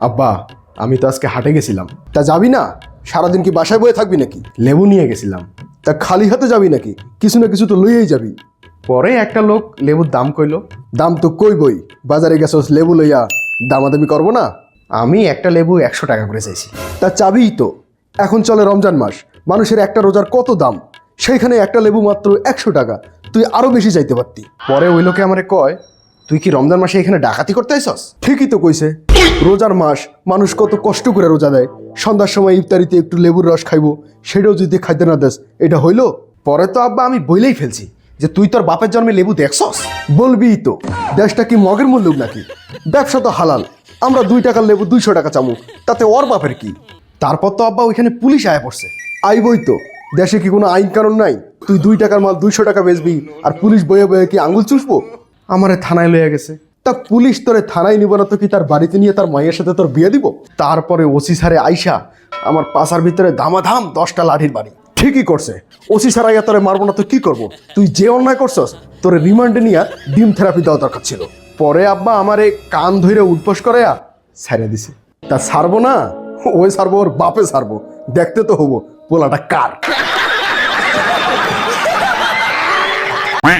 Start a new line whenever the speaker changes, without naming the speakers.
আব্বা, আমি তো আজকে হাটে গেছিলাম। তা যাবি না? সারাদিন কি বাসায় বয়ে থাকবি নাকি? লেবু নিয়ে গেছিলাম। তা খালি হাতে যাবি নাকি? কিছু না কিছু তো লইয়েই যাবি। পরে একটা লোক লেবুর দাম কইলো। দাম তো কইবই, বাজারে গেছস লেবু লইয়া, দামাদামি করবো না? আমি একটা লেবু 100 টাকা করে চাইছি। তা চাবিই তো, এখন চলে রমজান মাস, মানুষের একটা রোজার কত দাম, সেইখানে একটা লেবু মাত্র 100 টাকা, তুই আরো বেশি চাইতে পারতি। পরে ওই লোকে আমারে কয়, তুই কি রমজান মাসে এখানে ডাকাতি করতে আইসস? ঠিকই তো কইছে, রোজার মাস, মানুষ কত কষ্ট করে রোজা দেয়, সন্ধ্যার সময় ইফতারিতে একটু লেবুর রস খাইবো, সেটাও যদি খাইতে না দেস, এটা হইলো? পরে তো আব্বা আমি বইলেই ফেলছি যে তুই তোর বাপের জন্মে লেবু দেখছস? বলবিই তো, দেশটা কি মগের মূল্য নাকি? ব্যবসা তো হালাল, আমরা 2 টাকার লেবু 200 টাকা চামু, তাতে ওর বাপের কি? তারপর তো আব্বা ওইখানে পুলিশ আয়া পড়ছে। আইবই তো, দেশে কি কোনো আইন কানুন নাই? তুই 2 টাকার মাল 200 টাকা বেচবি আর পুলিশ বয়ে বয়ে কি আঙুল চুষবো? আমারে থানায় লইয়া গেছে। তা পুলিশ তোরে থানায় নিব না তো কি তার বাড়িতে নিয়ে তার মায়ের সাথে তোর বিয়ে দিব? তারপরে ওসি স্যারে আইসা আমার পাশার ভিতরে ধামাধাম 10টা লাঠির বাড়ি। ঠিকই করছে, ওসি স্যার আইয়া তোরে মারবো না তো কি করবো? তুই যে অন্যায় করছস, তোরে রিমান্ডে নিয়ে ডিম থেরাপি দেওয়া দরকার ছিল। পরে আব্বা আমারে কান ধইরে উঠপস করে ছেড়ে দিছে। তা ছাড়বো না, ওই ছাড়বো, ওর বাপে ছাড়বো, দেখতে তো হবো পোলাটা কার।